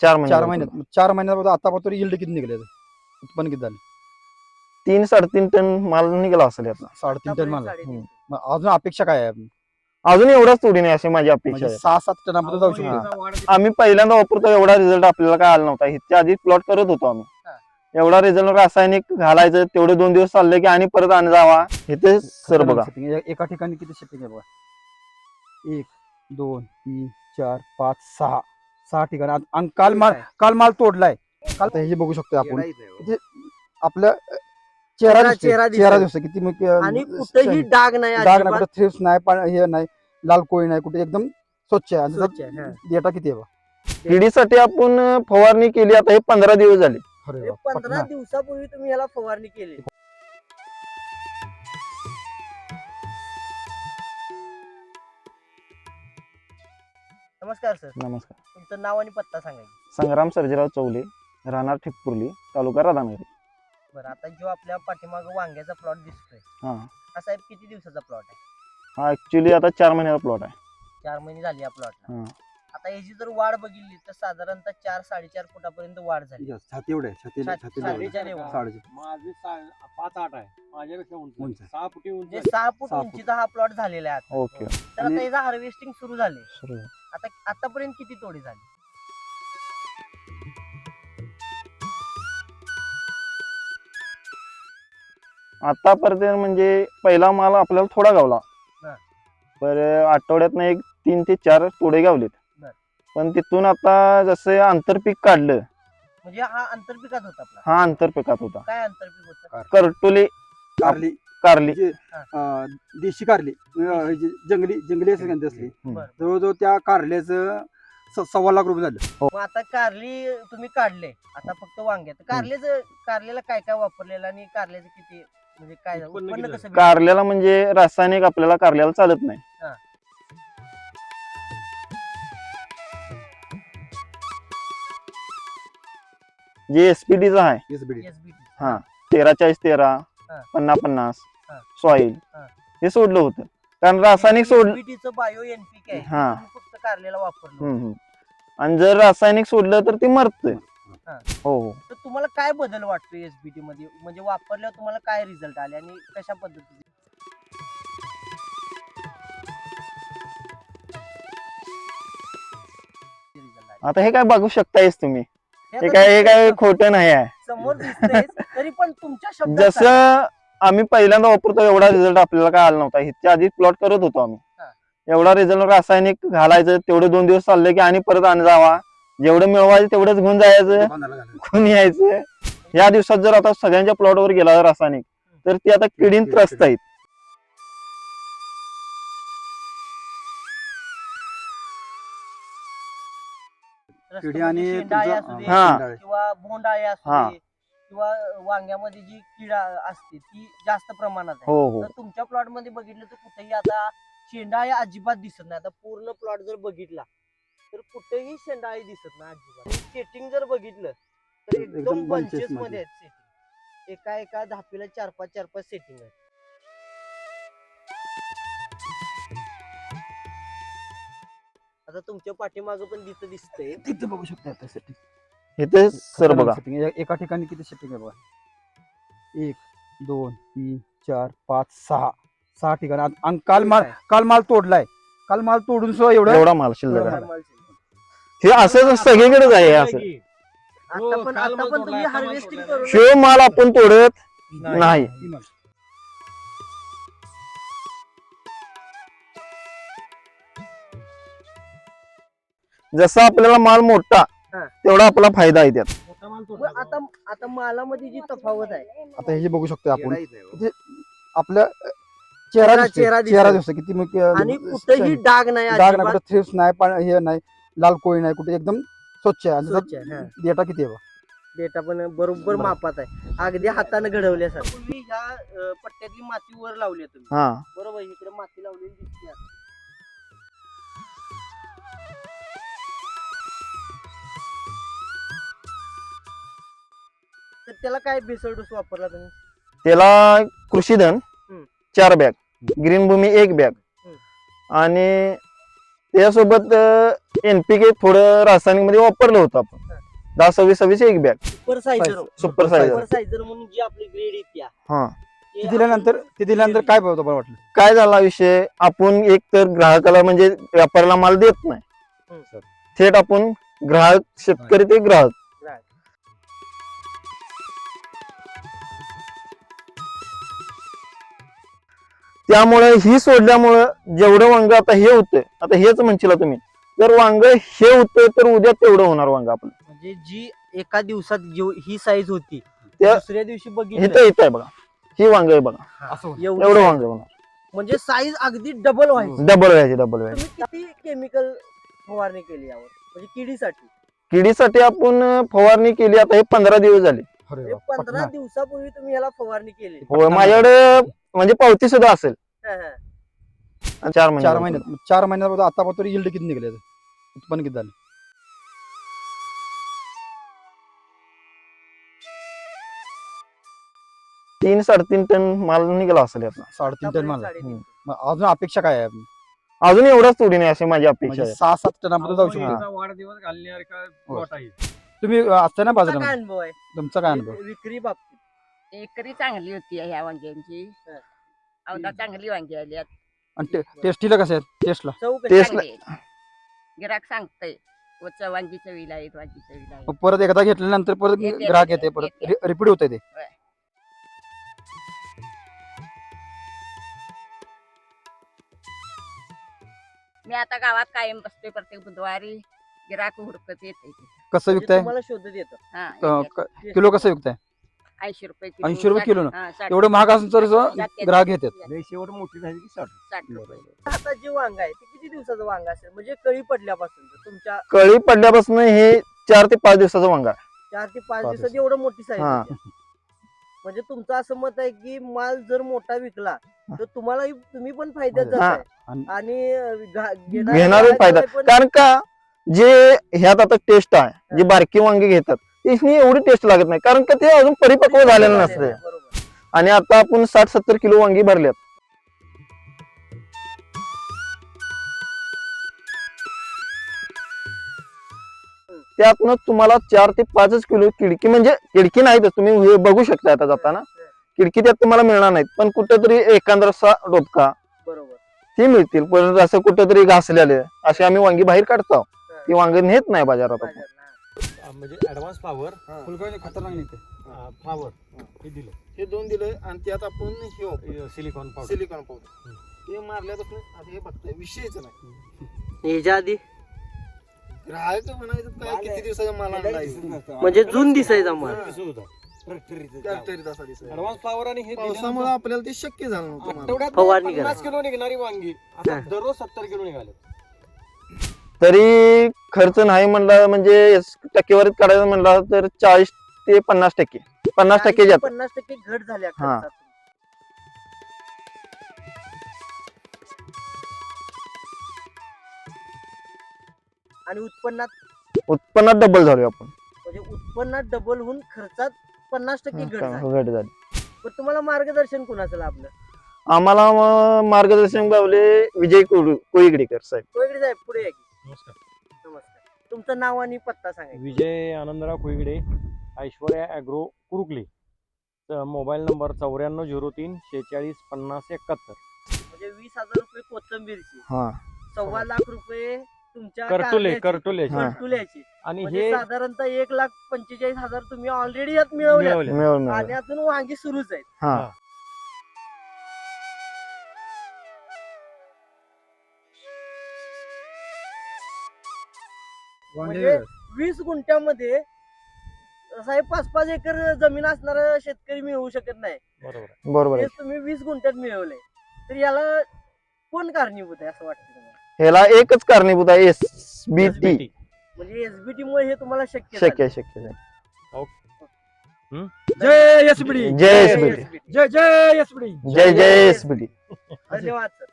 4 4 महिने महिन्यात 4 महिन्यात आतापर्यंत यील्ड किती निघले उत्पन्न किती झालं? 3-3.5 टन माल निघाला असेल यातला. 3.5 टन माल. साडेतीन. मग अजून अपेक्षा काय आहे? अजून एवढाच तोडी नाही अशी माझी अपेक्षा म्हणजे आहे. 6-7 टनापर्यंत जाऊ अहो, शकतो. याचा आम्ही पहिल्यांदा वापरतो एवढा रिझल्ट आपल्याला काय आला नव्हता. ह्याच्या आधी प्लॉट करत होतो आम्ही. हा. एवढा रिझल्ट रासायनिक घालायचं तेवढे 2 दिवस चालले की आणि परत आणि जावा. इथे सर बघा Setting. एका ठिकाणी किती सेटिंग आहे बघा? 1 2 3 4 5 6 ठिकाणी. आणि काल माल तोडलाय. काल तर हे बघू शकतो आपण. आपलं चेहरा दिसतोय. चेहरा चेहरा दिसतोय. दिसतो किती मग आणि कुठेही डाग नाही डाग नाही, अजिबात. कुठे थ्रिप्स नाही, हे नाही, लाल कोळी नाही, कुठे एकदम स्वच्छ आहे. आणि स्वच्छ आहे, हा. डेटा किती आहे बघा? किडीसाठी आपण फवारणी केली आता हे 15 दिवस झाले. अरे हे वा, 15 पटना. दिवसापूर्वी तुम्ही याला फवारणी केली. नमस्कार सर, नमस्कार. तुमचं नाव आणि पत्ता सांगायचं. संग्राम सर्जेराव चौले, राहणार ठिकपुर्ली, तालुका राधानगरी. बरं, आता जो आपल्या पाठीमागं वांग्याचा प्लॉट दिसतोय हा हा साहेब किती दिवसाचा प्लॉट आहे? हा ऍक्च्युली आता 4 महिन्याचा प्लॉट आहे. 4 महिने झाली या प्लॉटला. हा. आता याची जर वाढ बघितली तर साधारणतः 4-4.5 फुटापर्यंत वाढ झाली. छाती एवढे छाती छातीच्या level. माझी 5-8 आहे, माझ्यापेक्षा उंच उंच आहे. 6 फुटी उंच म्हणजे आहे. 6 फूट 6 फूट. उंचीचा हा प्लॉट झालेला आहे आता. ओके. तर आता याचा हार्वेस्टिंग सुरू झाले. सुरू. आता आतापर्यंत किती तोडी झाली? आतापर्यंत म्हणजे पहिला माल आपल्याला थोडा गावला. हा. पर आठवड्यातनं 3 ते 4 तोडे गावलेत. बर. पण तिथून आता जसं आंतरपीक काढलं. म्हणजे हा आंतरपिकात होता आपला. हा आंतरपिकात होता. काय आंतरपीक होतं? करटोले कारली कारली. देशी कारली जंगली असं म्हणते असली. बरं. जवळजवळ त्या कारल्याचं 1.25 लाख रुपये झालं. मग आता कारली तुम्ही काढले, आता फक्त वांग्यात. कारल्याला काय काय वापरलेलं आणि कारल्याचं किती म्हणजे काय उत्पन्न उत्पन्न किती कसं भेटलं? कारल्याला म्हणजे रासायनिक आपल्याला कारल्याला चालत नाही. हा. जे एसपीडीचा आहे SBD. SBT. हा 13-40-13 हा. 50-50 हा. सॉइल हा. हे सोडलं होतं कारण रासायनिक सोडलं. SBT चं बायो एनपीके आहे, हा. तुम्ही फक्त कारल्याला वापरलं. हम्म, हम्म. आणि जर रासायनिक सोडलं तर ते मरतंय. हा. हो हो. तर तुम्हाला काय बदल वाटतो एसबीटी मध्ये? म्हणजे वापरल्यावर तुम्हाला काय रिझल्ट आले आणि कशा पद्धतीने result आले? आता हे काय बघू शकतायच तुम्ही. हे हे आता काय तुमच्या खोटं नाही आहे. समोर दिसतंय, तरी पण तुमच्या शब्दात सांगा. जसं आम्ही पहिल्यांदा वापरतो एवढा रिझल्ट आपल्याला काय आला नव्हता. ह्याच्या आधी प्लॉट करत होतो आम्ही. हा. एवढा रिझल्ट रासायनिक घालायचं तेवढे 2 दिवस चालले की आणि परत आणि जावा. जेवढं मिळवायचं तेवढंच घेऊन जायचं, घेऊन यायचं. या दिवसात जर आता सगळ्यांच्या प्लॉटवर गेला रासायनिक तर ती आता किडीन त्रस्त आहेत. रस्ते किडी म्हणजे आणि शेंडाळे तुमचा- असू दे, हा. किंवा बोंडाळे असू हा. दे, किंवा वांग्यामध्ये जी किडा असते ती जास्त प्रमाणात आहे. हो हो. तर तुमच्या प्लॉट मध्ये बघितलं तर कुठेही आता शेंडाळे अजिबात दिसत नाही. आता पूर्ण प्लॉट जर बघितला तर कुठेही शेंडाळे दिसत नाही अजिबात. सेटिंग जर बघितलं तर एकदम एकदम bunches बंचेस मध्ये मध्ये. आहेत सेटिंग. एका धापीला 4-5 सेटिंग आहे. आता तुमच्या पाठीमागं पण तिथं दिसतंय. तिथे बघू शकता आता सेटिंग. इथे सर बघा. एका ठिकाणी किती सेटिंग आहे बघा? 1 2 3 4 5 6 ठिकाणी. आणि काल माल तोडलाय. काल माल तोडून सुद्धा एवढा माल शिल्लक एवढा आहे. माल. हे असं सगळीकडेच आहे. असं आता पण तुम्ही हार्वेस्टिंग करून शिव माल आपण तोडत नाही. जसा आपल्याला माल मोठा हा. तेवढा आपला फायदा आहे त्यात. मोठा माल मग तोडला आता मालामध्ये जी तफावत आहे, आता हे जे बघू शकतो आपण. आपल्या चेहरा चेहरा दिसतोय. चेहरा दिसतो किती मग आणि कुठेही डाग नाही डाग नाही, अजिबात. कुठे थ्रिप्स नाही, हे नाही, लाल कोळी नाही, कुठे एकदम स्वच्छ आहे. आणि स्वच्छ आहे, हा. डेटा किती आहे बघा? डेटा पण बरोबर मापात आहे, अगदी हाताने घडवल्यासारखं. तुम्ही ह्या पट्ट्यातली माती वर लावली आहे तुम्ही, हा बरोबर? इकडे माती लावलेली दिसते आता. तर त्याला काय भेसळ डोस वापरला तुम्ही? त्याला कृषीधन हम्म. 4 बॅग, ग्रीन भूमी 1 बॅग आणि त्यासोबत NPK थोडं रासायनिक मध्ये वापरलं होतं आपण. 10-26 एक bag super sizer super size super sizer म्हणून जी आपली ग्रेड येत्या हा ते दिल्यानंतर काय बरं वाटलं? काय झाला विषय, आपण एक तर ग्राहकाला म्हणजे व्यापाऱ्याला माल देत नाही, हम्म. थेट आपण ग्राहक शेतकरी ते ग्राहक. त्यामुळे ही सोडल्यामुळं जेवढं वांग आता हे होतंय, आता हेच म्हणशीला तुम्ही, जर वांग हे होतंय तर उद्या तेवढं होणार वांग आपलं. म्हणजे जी एका दिवसात ही साईज होती त्या- दुसऱ्या दिवशी बघितलं इथं आहे बघा, ही वांग आहे बघा, असं होतं. एवढी एवढं size. वांग होणार, म्हणजे साईज अगदी डबल व्हायची. डबल व्हायची डबल व्हायची. तुम्ही किती केमिकल फवारणी केली यावर म्हणजे किडीसाठी? किडीसाठी आपण फवारणी केली आता हे 15 दिवस झाले. अरे म्हणजे वा, 15 पटणार. दिवसापूर्वी तुम्ही याला फवारणी केली. होय, माझ्याकडे म्हणजे पावती सुद्धा असेल. हा, हा. 4 महिने 4 महिन्यात आतापर्यंत yield किती निघले याचं? उत्पन्न किती झालं? 3-3.5 टन माल निघाला असेल यातला. 3.5 टन माल. साडेतीन. मग अजून अपेक्षा काय आहे आपली? अजून एवढाच तोडी नाही अशी माझी अपेक्षा म्हणजे आहे. 6-7 टनापर्यंत जाऊ शकतो. याचा वाढदिवस घालण्यासारखा प्लॉट आहे. तुम्ही असताना तुमचा बाजारात काय अनुभव आहे तुमचा काय अनुभव? विक्री बाबतीत? एकरी चांगली होती ह्या वांग्यांची. हं. अवदा चांगली वांगी आली आहेत. आणि टेस्टीला कसं आहे? टेस्टला चव कशी? तेच चांगली आहे. गिराक सांगतंय वांगी चवीला आहेत, वांगी चवीला आहेत. परत एकदा घेतल्यानंतर परत येते, ग्राहक येते, येते, परत येते. रिपीट होते ते. मी आता गावात कायम बसते प्रत्येक बुधवारी. गिराक हुडकत येते. कसं म्हणजे विकताय? तुम्हाला शोधत येतं. हा, किलो कसं विकताय? 80 रुपये किलो. 80 रुपये किलो ना? हा, 60 एवढं महाग असून तर जाते, ग्राहक जाते, येतात. जाते. लय शेवट मोठी झाली की 60. 60 रुपये. आता जे वांग आहे ते किती दिवसाचं वांग असेल म्हणजे कळी पडल्यापासून तुमच्या कळी पडल्यापासून हे 4 ते 5 दिवसाचं वांगा आहे. 4 ते 5 पाच दिवसात एवढं मोठी साईज हा. म्हणजे तुमचं असं मत आहे की माल जर मोठा विकला तर तुम्हाला तुम्ही पण फायद्यात हा. जाताय आणि- आणि घेणारे फायदा, कारण का जे ह्यात आता टेस्ट आहे, जी बारकी वांगी घेतात त्याची एवढी टेस्ट लागत नाही, कारण का ते अजून परिपक्व झालेलं नसते. बरोबर. आणि आता आपण 60-70 किलो वांगी भरल्यात. त्यातनं तुम्हाला 4 ते 5 किलो किडकी, म्हणजे किडकी नाहीतच, तुम्ही हे बघू शकता आता जाताना किडकी त्यात तुम्हाला मिळणार नाहीत, पण कुठेतरी एखादा डोबका बरोबर. ती मिळतील. पण असं कुठेतरी घासलेले असे आम्ही वांगी बाहेर काढतो, ती वांगी नेत नाही बाजारात आपण. म्हणजे ऍडव्हान्स पॉवर फुलकळी खतरनाक निघते. पॉवर हे दिलं. हे 2 दिले आणि त्यात आपण सिलिकॉन पावडर. सिलिकॉन पावडर ते मारल्यापासून आता हे बघताय विषयच नाही. ह्याच्या आधी ग्राहक म्हणायचं काय किती दिवसाचा माल आणलाय, म्हणजे जून दिसायचा माल. ऍडव्हान्स पॉवर आणि हे पावसामुळे आपल्याला ते शक्य झालं नव्हतं. आठवड्यात फवारणी 50 करा. किलो निघणारी वांगी आता दररोज 70 किलो निघाले. तरी खर्च नाही म्हणला, म्हणजे टक्केवारीत काढायचं म्हणला तर 40 ते 50%, 50% जात. 50% घट झाल्या हा. खर्चात. आणि उत्पन्नात डबल झालो आपण. म्हणजे उत्पन्नात डबल होऊन खर्चात 50% घट झाली. घट झाली. पण तुम्हाला मार्गदर्शन कुणाचं लाभलं? आम्हाला मार्गदर्शन गावले विजय कोळीगडेकर साहेब. कोयगडे साहेब पुढे या की. नमस्कार. नमस्कार. तुमचं नाव आणि पत्ता सांगा. Vijay Anandrao Khuigade, Aishwarya agro Kurukali. Mobile number 9403 46 50 71. म्हणजे 20,000 रुपये कोथंबीरची, हा 1.25 लाख रुपये तुमच्या करटुले कारल्याची, करटुल्याची. हा. करटुल्याची. आणि म्हणजे हे साधारणतः 1,45,000 तुम्ही ऑलरेडी यात मिळवले मिळवले. मिळून आणि अजून वांगी सुरूच आहेत. हा हा. म्हणजे 20 गुंठ्यामध्ये साहेब 5-5 एकर जमीन असणारा शेतकरी मिळवू शकत नाही. बरोबर आहे. बरोबर आहे. तेच तुम्ही 20 गुंठ्यात मिळवले, तर याला कोण कारणीभूत आहे असं वाटतं तुम्हाला? ह्याला एकच कारणीभूत आहे, SBT. म्हणजे एसबीटी मुळे हे तुम्हाला शक्य शक्य आहे, शक्य आहे. जय एसबीडी. जय SBT. SBT. जय जय एसबीडी. जय जय SBT. धन्यवाद सर.